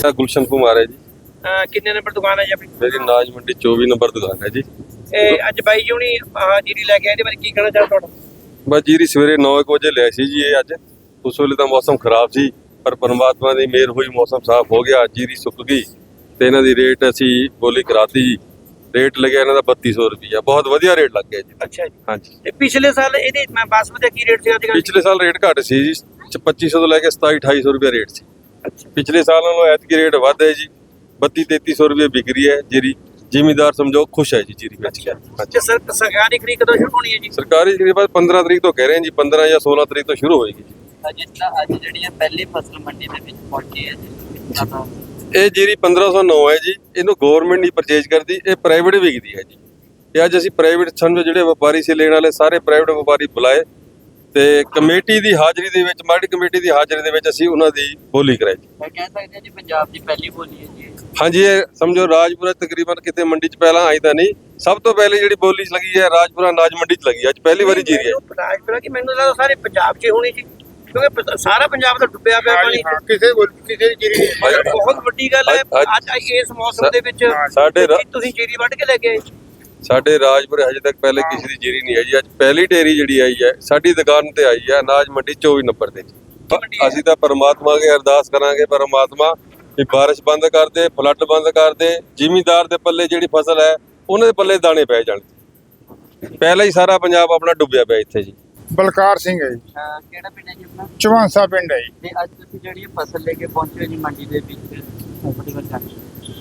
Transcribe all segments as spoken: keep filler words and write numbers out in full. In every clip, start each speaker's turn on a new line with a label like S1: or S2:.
S1: गुलशन कुमार है जी।
S2: किन्ने नंबर दुकान है जी अपनी?
S1: मेरी नाज मंडी चौबीस नंबर दुकान है जी।
S2: ਇਹ ਅੱਜ ਬਾਈ ਜੀ ਹੁਣੀ ਆਹ ਜੀਰੀ ਲੈ ਕੇ ਆਏ, ਇਹਦੇ ਬਾਰੇ ਕੀ ਕਹਿਣਾ ਚਾਹੁੰਦਾ ਤੁਹਾਡਾ?
S1: बस जीरी सवेरे नौ एक बजे लिया सी जी। ये अज उस वेले तो मौसम खराब सी, पर परमात्मा की मेहर हुई, मौसम साफ हो गया, जीरी सुक गई तो इन्हों की रेट असी बोली कराती जी। रेट लगे इन्हों का बत्ती सौ रुपया, बहुत वधिया रेट लग गया जी।
S2: ਅੱਛਾ ਜੀ।
S1: हाँ जी,
S2: ਤੇ ਪਿਛਲੇ ਸਾਲ ਇਹਦੇ ਮੈਂ ਬਾਸਮਤੀ ਦਾ ਕੀ ਰੇਟ ਸੀ ਅੱਜ ਕੱਲ੍ਹ?
S1: पिछले साल रेट घट सी जी, पच्ची सौ तो लैके सताई अठाई सौ रुपया रेट सी।
S2: ਅੱਛਾ।
S1: पिछले साल नालों ऐतकी रेट वध है जी, बत्ती तेती सौ रुपये बिक रही है जीरी। जिमीदार समझो खुश है जी जीरी बेच के। हाँ जी।
S2: ਤੇ ਸਰ ਸਰਕਾਰੀ ਖਰੀਦ ਕਦੋਂ ਸ਼ੁਰੂ ਹੋਣੀ ਹੈ ਜੀ?
S1: सरकारी खरीद बस पंद्रह तरीक तो कह रहे हैं जी, पंद्रह या सोलह तरीक तो शुरू होएगी जी।
S3: ਅੱਜ ਤਾਂ ਅੱਜ ਜਿਹੜੀ ਹੈ ਪਹਿਲੀ ਫਸਲ ਮੰਡੀ ਦੇ ਵਿੱਚ ਪਹੁੰਚੀ ਹੈ ਜੀ।
S1: ਇਹ ਜੀਰੀ ਪੰਦਰਾਂ ਸੌ ਨੌ ਹੈ ਜੀ। ਇਹਨੂੰ ਗਵਰਨਮੈਂਟ ਨਹੀਂ ਪਰਚੇਜ ਕਰਦੀ, ਇਹ ਪ੍ਰਾਈਵੇਟ ਵਿਕਦੀ ਹੈ ਜੀ। ਇਹ ਅੱਜ ਅਸੀਂ ਪ੍ਰਾਈਵੇਟ ਸਮਝੋ ਜਿਹੜੇ ਵਪਾਰੀ ਸੀ ਲੈਣ ਵਾਲੇ ਸਾਰੇ ਪ੍ਰਾਈਵੇਟ ਵਪਾਰੀ ਬੁਲਾਏ ਤੇ ਕਮੇਟੀ ਦੀ ਹਾਜ਼ਰੀ ਦੇ ਵਿੱਚ, ਮਾਰਕੀਟ ਕਮੇਟੀ ਦੀ ਹਾਜ਼ਰੀ ਦੇ ਵਿੱਚ ਅਸੀਂ ਉਹਨਾਂ ਦੀ ਬੋਲੀ ਕਰਾਈ।
S3: ਮੈਂ ਕਹਿ ਸਕਦੇ ਹਾਂ ਜੀ ਪੰਜਾਬ ਦੀ ਪਹਿਲੀ ਬੋਲੀ ਹੈ ਜੀ।
S1: ਹਾਂਜੀ, ਇਹ ਸਮਝੋ ਰਾਜਪੁਰਾ ਤਕਰੀਬਨ ਕਿਤੇ ਮੰਡੀ 'ਚ ਪਹਿਲਾਂ ਆਈ ਤਾਂ ਨਹੀਂ, ਸਭ ਤੋਂ ਪਹਿਲੇ ਜਿਹੜੀ ਬੋਲੀ ਲੱਗੀ ਹੈ ਰਾਜਪੁਰਾ ਅਨਾਜ ਮੰਡੀ 'ਚ ਲੱਗੀ, ਅੱਜ ਪਹਿਲੀ ਵਾਰੀ ਜੀਰੀ ਹੈ।
S2: ਰਾਜਪੁਰਾ ਕੀ ਮੈਨੂੰ ਲੱਗਦਾ ਸਾਰੇ ਪੰਜਾਬ 'ਚ ਹੋਣੀ ਸੀ, ਕਿਉਂਕਿ ਪ- ਸਾਰਾ ਪੰਜਾਬ ਤਾਂ ਡੁੱਬਿਆ ਪਿਆ ਪਾਣੀ।
S4: ਕਿਸੇ ਕਿਸੇ ਜੀਰੀ
S2: ਮਗਰ ਬਹੁਤ ਵੱਡੀ ਗੱਲ ਹੈ
S1: ਅੱਜ-
S2: ਅੱਜ ਇਸ ਮੌਸਮ ਦੇ ਵਿੱਚ
S1: ਸਾਡੇ ਰਾ-
S2: ਤੁਸੀਂ ਜੀਰੀ ਵੱਢ ਕੇ ਲੈ ਕੇ ਆਏ।
S1: ਸਾਡੇ ਰਾਜਪੁਰੇ ਹਜੇ ਤੱਕ ਪਹਿਲੇ ਕਿਸੇ ਦੀ ਜੀਰੀ ਨਹੀਂ ਹੈ ਜੀ। ਅੱਜ ਪਹਿਲੀ ਢੇਰੀ ਜਿਹੜੀ ਆਈ ਹੈ ਸਾਡੀ ਦੁਕਾਨ ਤੇ ਆਈ ਹੈ ਅਨਾਜ ਮੰਡੀ ਚੌਬੀਸ ਨੰਬਰ ਤੇ। ਅਸੀਂ ਤਾਂ ਪਰਮਾਤਮਾ ਅੱਗੇ ਅਰਦਾਸ ਕਰਾਂਗੇ, ਪਰਮਾਤਮਾ ਵੀ ਬਾਰਿਸ਼ ਬੰਦ ਕਰ ਦੇ, ਫਲੱਡ ਬੰਦ ਕਰ ਦੇ, ਜ਼ਿਮੀਂਦਾਰ ਦੇ ਪੱਲੇ ਜਿਹੜੀ ਫਸਲ ਹੈ ਉਹਨਾਂ ਦੇ ਪੱਲੇ ਦਾਣੇ ਪੈ ਜਾਣ। ਪਹਿਲਾਂ ਹੀ ਸਾਰਾ ਪੰਜਾਬ ਆਪਣਾ ਡੁੱਬਿਆ ਪਿਆ ਇੱਥੇ ਜੀ।
S4: ਬਲਕਾਰ ਸਿੰਘ ਹੈ ਜੀ,
S3: ਅਹ ਕਿਹੜਾ ਪਿੰਡ ਹੈ ਜੀ ਆਪਣਾ?
S4: ਚਵਾਂਸਾ ਪਿੰਡ ਹੈ ਜੀ।
S3: ਤੇ ਅੱਜ ਤੁਸੀਂ ਜਿਹੜੀ ਇਹ ਫਸਲ ਲੈ ਕੇ ਪਹੁੰਚੇ ਹੋ ਜੀ ਮੰਡੀ ਦੇ ਵਿੱਚ, ਆਪਣੀ ਵਰਤਾਨੀ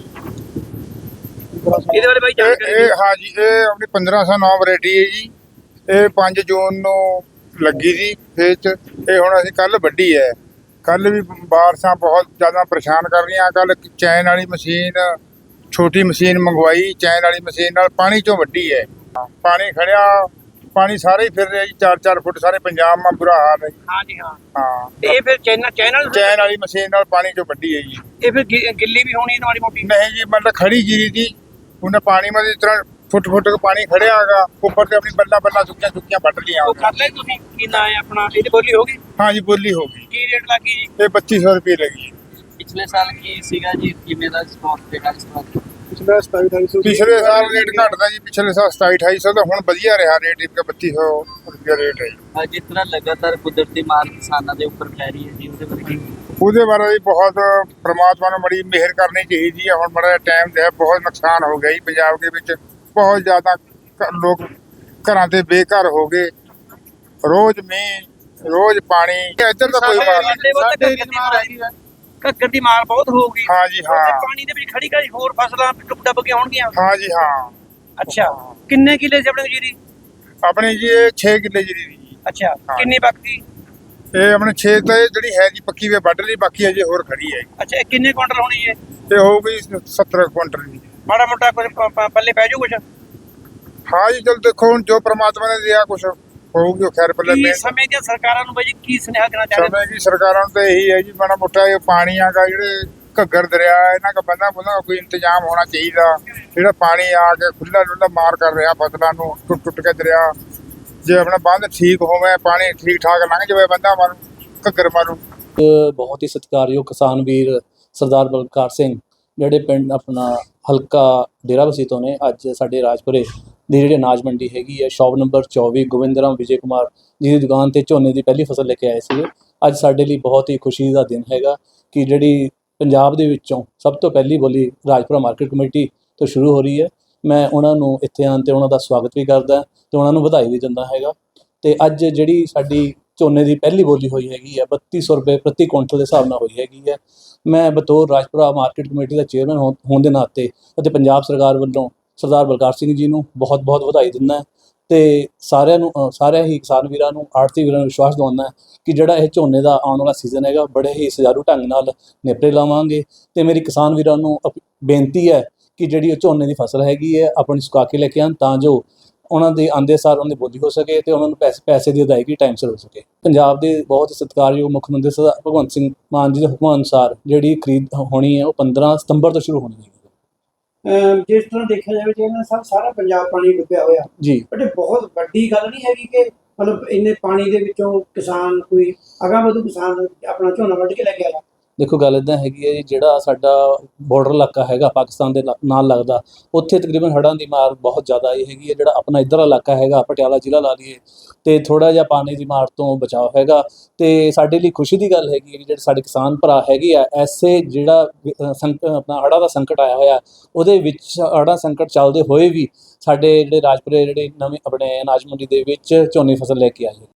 S2: ਇਹਦੇ ਬਾਰੇ ਬਾਈ
S4: ਇਹ
S2: ਜਾਣਕਾਰੀ
S4: ਇਹ ਹਾਂ ਜੀ, ਇਹ ਆਪਣੀ ਪੰਦਰਾਂ ਸੌ ਨੌ ਵੈਰਾਈਟੀ ਹੈ ਜੀ। ਇਹ ਪੰਜ ਜੂਨ ਨੂੰ ਲੱਗੀ ਸੀ ਖੇਤ 'ਚ। ਇਹ ਹੁਣ ਅਸੀਂ ਕੱਲ ਵੱਢੀ ਹੈ। ਕੱਲ ਵੀ ਬਾਰਿਸ਼ਾਂ ਬਹੁਤ ਜ਼ਿਆਦਾ ਪਰੇਸ਼ਾਨ ਕਰ ਰਹੀਆਂ। ਕੱਲ ਚੈਨ ਵਾਲੀ ਮਸ਼ੀਨ, ਛੋਟੀ ਮਸ਼ੀਨ ਮੰਗਵਾਈ, ਚੈਨ ਵਾਲੀ ਮਸ਼ੀਨ ਨਾਲ ਪਾਣੀ 'ਚੋਂ ਵੱਢੀ ਹੈ। ਪਾਣੀ ਖੜਿਆ, ਪਾਣੀ ਸਾਰੇ ਹੀ ਫਿਰ ਰਿਹਾ ਜੀ, ਚਾਰ ਚਾਰ ਫੁੱਟ ਸਾਰੇ ਪੰਜਾਬ ਮਾ ਬੁਰਾ ਹਾਲ ਹੈ ਜੀ।
S2: ਹਾਂ ਜੀ ਹਾਂ।
S4: ਹਾਂ,
S2: ਤੇ ਇਹ ਫਿਰ ਚੈਨਲ ਚੈਨਲ
S4: ਚੈਨ ਵਾਲੀ ਮਸ਼ੀਨ ਨਾਲ ਪਾਣੀ 'ਚੋਂ ਵੱਢੀ ਹੈ ਜੀ।
S2: ਇਹ ਫਿਰ ਗਿ- ਗਿੱਲੀ ਵੀ ਹੋਣੀ ਮਾੜੀ ਮੋਟੀ?
S4: ਨਹੀਂ ਜੀ, ਮਤਲਬ ਖੜੀ ਜੀਰੀ ਦੀ ਉਹਨੇ ਪਾਣੀ में इस तरह फुट फुट के पानी खड़े आगा ऊपर से अपनी बल्ला बल्ला सुक्कियां सुक्कियां बट लिया।
S2: ਉਹ ਕਰ ਲੈ ਤੁਸੀਂ ਕੀ ਨਾਂ ਹੈ ਆਪਣਾ? ਇਹਦੀ ਬੋਲੀ ਹੋਗੀ?
S4: हाँ जी, बोली होगी।
S2: ਕੀ ਰੇਟ ਲੱਗੀ ਜੀ?
S4: ये पच्चीस सौ रुपये लगी।
S3: ਪਿਛਲੇ ਸਾਲ ਕੀ ਸੀਗਾ ਜੀ, ਕਿਵੇਂ ਦਾ ਸਟਾਕ ਸੀਗਾ ਇਸ ਵਾਰ?
S4: पिछले साल रेट घटता जी, पिछले साल सताई अठाई सौ तो हुण वधिया रहा रेट, इनका बत्ती सौ रुपया रेट है।
S3: ਅੱਜ ਜਿਸ ਤਰ੍ਹਾਂ ਲਗਾਤਾਰ ਕੁਦਰਤੀ ਮਾਰ ਕਿਸਾਨਾਂ ਦੇ ਉੱਪਰ ਪੈ ਰਹੀ ਹੈ ਜੀ, ਉਹਦੇ ਬਾਰੇ ਕੀ?
S4: ਉਹਦੇ ਬਾਰੇ ਵੀ ਬਹੁਤ ਪ੍ਰਮਾਤਮਾ ਨੂੰ ਬੜੀ ਮਿਹਰ ਕਰਨੀ ਚਾਹੀਦੀ ਹੈ। ਹੁਣ ਬੜਾ ਟਾਈਮ ਤੇ ਬਹੁਤ ਨੁਕਸਾਨ ਹੋ ਗਿਆ ਜੀ ਪੰਜਾਬ ਦੇ ਵਿੱਚ। ਬਹੁਤ ਜ਼ਿਆਦਾ ਘ- ਲੋਕ ਘਰਾਂ ਤੇ ਬੇਘਰ ਹੋ ਗਏ। ਰੋਜ਼ ਮੀਂਹ, ਰੋਜ਼ ਪਾਣੀ। ਇੱਧਰ ਤਾਂ ਕੋਈ ਮਾਰ ਨਹੀਂ।
S2: ਸਾਡੇ ਘੱਗਰ ਦੀ ਮਾਰ ਬਹੁਤ ਹੋਊਗੀ।
S4: ਹਾਂ ਜੀ, ਹਾਂ।
S2: ਉੱਥੇ ਪਾਣੀ ਦੇ ਵਿੱਚ ਖੜੀ ਖੜੀ ਹੋਰ ਫਸਲਾਂ ਡੁੱਬ ਡੱਬ ਕੇ ਆਉਣਗੀਆਂ।
S4: ਹਾਂ ਜੀ, ਹਾਂ।
S2: ਅੱਛਾ, ਕਿੰਨੇ ਕਿੱਲੇ ਸੀ ਆਪਣੇ ਕੋਲ ਜੀਰੀ?
S4: ਆਪਣੀ ਜੀ ਇਹ ਛੇ ਕਿੱਲੇ ਜੀਰੀ ਦੀ ਜੀ।
S2: ਅੱਛਾ,
S4: ਹਾਂ।
S2: ਕਿੰਨੀ ਬਾਕੀ?
S4: ਇਹ ਆਪਣੇ ਛੇ ਤਾਂ ਇਹ ਜਿਹੜੀ ਹੈ ਜੀ ਪੱਕੀ ਵੇ ਵੱਢ ਲਈ, ਬਾਕੀ ਅਜੇ ਹੋਰ ਖੜੀ ਹੈ।
S2: ਅੱਛਾ, ਇਹ ਕਿੰਨੇ ਕੁਇੰਟਲ ਹੋਣੀ ਹੈ?
S4: ਤੇ ਹੋਊਗੀ ਸੱਤਰ ਕੁਇੰਟਲ ਜੀ।
S2: ਮਾੜਾ ਮੋਟਾ ਕੁਝ ਪ- ਪ- ਪੱਲੇ ਪੈ ਜਾਊ ਕੁਛ?
S4: ਹਾਂ ਜੀ, ਚਲ ਦੇਖੋ ਹੁਣ ਜੋ ਪ੍ਰਮਾਤਮਾ ਨੇ ਦਿਆ ਕੁਛ ਹੋਊਗੀ ਉਹ ਖੈਰ ਪੱਲੇ
S2: ਕੀ
S4: ਮਿਹਰ।
S2: ਸਮੇਂ ਦੀਆਂ ਸਰਕਾਰਾਂ ਨੂੰ ਬਾਈ ਜੀ ਕੀ ਸੁਨੇਹਾ ਦੇਣਾ ਚਾਹੁੰਦੇ?
S4: ਸਮੇਂ ਦੀ ਸਰਕਾਰਾਂ ਨੂੰ ਤਾਂ ਇਹੀ ਹੈ ਜੀ, ਮਾੜਾ ਮੋਟਾ ਇਹ ਪਾਣੀਆਂ ਦਾ ਜਿਹੜੇ ਘੱਗਰ ਦਰਿਆ ਇਹਨਾਂ ਦਾ ਬੰਦਾ ਬੰਦਾ ਕੋਈ ਇੰਤਜ਼ਾਮ ਹੋਣਾ ਚਾਹੀਦਾ। ਜਿਹੜਾ ਪਾਣੀ ਆ ਕੇ ਖੁੱਲਾ ਡੁੱਲਾ ਮਾਰ ਕਰ ਰਿਹਾ ਫਸਲਾਂ ਨੂੰ, ਟੁੱਟ ਟੁੱਟ ਕੇ ਦਰਿਆ। ਜੇ ਆਪਣਾ ਬੰਦ ਠੀਕ ਹੋਵੇ, ਪਾਣੀ ਠੀਕ ਠਾਕ ਲੰਘ ਜਾਵੇ, ਬੰਦਾ ਮਾਰੂ ਘੱਗਰ ਮਾਰੂ।
S5: ਬਹੁਤ ਹੀ ਸਤਿਕਾਰਯੋਗ ਕਿਸਾਨ ਵੀਰ ਸਰਦਾਰ ਬਲਕਾਰ ਸਿੰਘ ਜਿਹੜੇ ਪਿੰਡ ਆਪਣਾ ਹਲਕਾ ਡੇਰਾਬੱਸੀ ਤੋਂ ਨੇ, ਅੱਜ ਸਾਡੇ ਰਾਜਪੁਰੇ ਦੀ ਜਿਹੜੀ ਅਨਾਜ ਮੰਡੀ ਹੈਗੀ ਹੈ, ਸ਼ੌਪ ਨੰਬਰ ਚੌਵੀ, ਗੋਬਿੰਦਰਾਮ ਵਿਜੇ ਕੁਮਾਰ ਜੀ ਦੀ ਦੁਕਾਨ ਤੇ ਝੋਨੇ ਦੀ ਪਹਿਲੀ ਫਸਲ ਲੈ ਕੇ ਆਏ ਸੀਗੇ। ਅੱਜ ਸਾਡੇ ਲਈ ਬਹੁਤ ਹੀ ਖੁਸ਼ੀ ਦਾ ਦਿਨ ਹੈਗਾ ਕਿ ਜਿਹੜੀ ਪੰਜਾਬ ਦੇ ਵਿੱਚੋਂ ਸਭ ਤੋਂ ਪਹਿਲੀ ਬੋਲੀ ਰਾਜਪੁਰਾ ਮਾਰਕੀਟ ਕਮੇਟੀ ਤੋਂ ਸ਼ੁਰੂ ਹੋ ਰਹੀ ਹੈ। ਮੈਂ ਉਹਨਾਂ ਨੂੰ ਇੱਥੇ ਆਉਣ 'ਤੇ ਉਹਨਾਂ ਦਾ ਸਵਾਗਤ ਵੀ ਕਰਦਾ ਅਤੇ ਉਹਨਾਂ ਨੂੰ ਵਧਾਈ ਵੀ ਦਿੰਦਾ ਹੈਗਾ। ਅਤੇ ਅੱਜ ਜਿਹੜੀ ਸਾਡੀ ਝੋਨੇ ਦੀ ਪਹਿਲੀ ਬੋਲੀ ਹੋਈ ਹੈਗੀ ਹੈ ਬੱਤੀ ਸੌ ਰੁਪਏ ਪ੍ਰਤੀ ਕੁਇੰਟਲ ਦੇ ਹਿਸਾਬ ਨਾਲ ਹੋਈ ਹੈਗੀ ਹੈ। ਮੈਂ ਬਤੌਰ ਰਾਜਪੁਰਾ ਮਾਰਕੀਟ ਕਮੇਟੀ ਦਾ ਚੇਅਰਮੈਨ ਹੋ ਹੋਣ ਦੇ ਨਾਤੇ ਅਤੇ ਪੰਜਾਬ ਸਰਕਾਰ ਵੱਲੋਂ ਸਰਦਾਰ ਬਲਕਾਰ ਸਿੰਘ ਜੀ ਨੂੰ ਬਹੁਤ ਬਹੁਤ ਵਧਾਈ ਦਿੰਦਾ ਅਤੇ ਸਾਰਿਆਂ ਨੂੰ ਸਾਰਿਆਂ ਹੀ ਕਿਸਾਨ ਵੀਰਾਂ ਨੂੰ, ਆੜ੍ਹਤੀ ਵੀਰਾਂ ਨੂੰ ਵਿਸ਼ਵਾਸ ਦਿਵਾਉਂਦਾ ਕਿ ਜਿਹੜਾ ਇਹ ਝੋਨੇ ਦਾ ਆਉਣ ਵਾਲਾ ਸੀਜ਼ਨ ਹੈਗਾ ਬੜੇ ਹੀ ਸੁਚਾਰੂ ਢੰਗ ਨਾਲ ਨੇਪਰੇ ਲਾਵਾਂਗੇ। ਅਤੇ ਮੇਰੀ ਕਿਸਾਨ ਵੀਰਾਂ ਨੂੰ ਅਪ ਬੇਨਤੀ ਹੈ ਕਿ ਜਿਹੜੀ ਉਹ ਝੋਨੇ ਦੀ ਫਸਲ ਹੈਗੀ ਹੈ ਆਪਣੀ ਸੁਕਾ ਕੇ ਲੈ ਕੇ ਆਉਣ, ਤਾਂ ਜੋ ਉਹਨਾਂ ਦੇ ਆਉਂਦੇ ਸਾਰ ਉਹਨਾਂ ਦੀ ਬੋਲੀ ਹੋ ਸਕੇ ਅਤੇ ਉਹਨਾਂ ਨੂੰ ਪੈਸੇ ਪੈਸੇ ਦੀ ਅਦਾਇਗੀ ਟਾਈਮ ਸਿਰ ਹੋ ਸਕੇ। ਪੰਜਾਬ ਦੇ ਬਹੁਤ ਸਤਿਕਾਰਯੋਗ ਮੁੱਖ ਮੰਤਰੀ ਸਰਦਾਰ ਭਗਵੰਤ ਸਿੰਘ ਮਾਨ ਜੀ ਦੇ ਹੁਕਮਾਂ ਅਨੁਸਾਰ ਜਿਹੜੀ ਖਰੀਦ ਹੋਣੀ ਹੈ ਉਹ ਪੰਦਰਾਂ ਸਤੰਬਰ ਤੋਂ ਸ਼ੁਰੂ ਹੋਣੀ ਹੈ।
S6: ਜਿਸ ਤਰ੍ਹਾਂ ਦੇਖਿਆ ਜਾਵੇ ਕਿ ਇਹਨਾਂ ਸਭ ਸਾਰਾ ਪੰਜਾਬ ਪਾਣੀ ਡੁੱਬਿਆ ਹੋਇਆ
S5: ਜੀ,
S6: ਬਟ ਇਹ ਬਹੁਤ ਵੱਡੀ ਗੱਲ ਨਹੀਂ ਹੈਗੀ ਕਿ ਮਤਲਬ ਇੰਨੇ ਪਾਣੀ ਦੇ ਵਿੱਚੋਂ ਕਿਸਾਨ ਕੋਈ ਅਗਾਂਹ ਵਧੂ ਕਿਸਾਨ ਆਪਣਾ ਝੋਨਾ ਵੱਢ ਕੇ ਲੈ ਕੇ ਆਇਆ।
S5: ਦੇਖੋ ਗੱਲ ਇਦਾਂ ਹੈਗੀ ਹੈ ਜੀ, ਜਿਹੜਾ ਸਾਡਾ ਬਾਰਡਰ ਇਲਾਕਾ ਹੈਗਾ ਪਾਕਿਸਤਾਨ ਦੇ ਨਾ- ਨਾਲ ਲੱਗਦਾ, ਉੱਥੇ ਤਕਰੀਬਨ ਹੜ੍ਹਾਂ ਦੀ ਮਾਰ ਬਹੁਤ ਜ਼ਿਆਦਾ ਆਈ ਹੈਗੀ ਹੈ। ਜਿਹੜਾ ਆਪਣਾ ਇੱਧਰਲਾ ਇਲਾਕਾ ਹੈਗਾ ਪਟਿਆਲਾ ਜ਼ਿਲ੍ਹਾ ਲਾ ਲਈਏ, ਤੇ ਥੋੜਾ ਜਿਹਾ ਪਾਣੀ ਦੀ ਮਾਰ ਤੋਂ ਬਚਾਅ ਹੈਗਾ। ਤੇ ਸਾਡੇ ਲਈ ਖੁਸ਼ੀ ਦੀ ਗੱਲ ਹੈਗੀ ਹੈ ਕਿ ਜਿਹੜੇ ਸਾਡੇ ਕਿਸਾਨ ਭਰਾ ਹੈਗੇ ਆ, ਐਸੇ ਜਿਹੜਾ ਅ, ਸੰਕ ਆਪਣਾ ਹੜ੍ਹਾਂ ਦਾ ਸੰਕਟ ਆਇਆ ਹੋਇਆ, ਉਹਦੇ ਵਿੱਚ ਹੜ੍ਹਾਂ ਸੰਕਟ ਚੱਲਦੇ ਹੋਏ ਵੀ ਸਾਡੇ ਜਿਹੜੇ ਰਾਜਪੁਰੇ ਜਿਹੜੇ ਨਵੇਂ ਆਪਣੇ ਅਨਾਜ ਮੰਡੀ ਦੇ ਵਿੱਚ ਝੋਨੇ ਦੀ ਫਸਲ ਲੈ ਕੇ ਆਏ।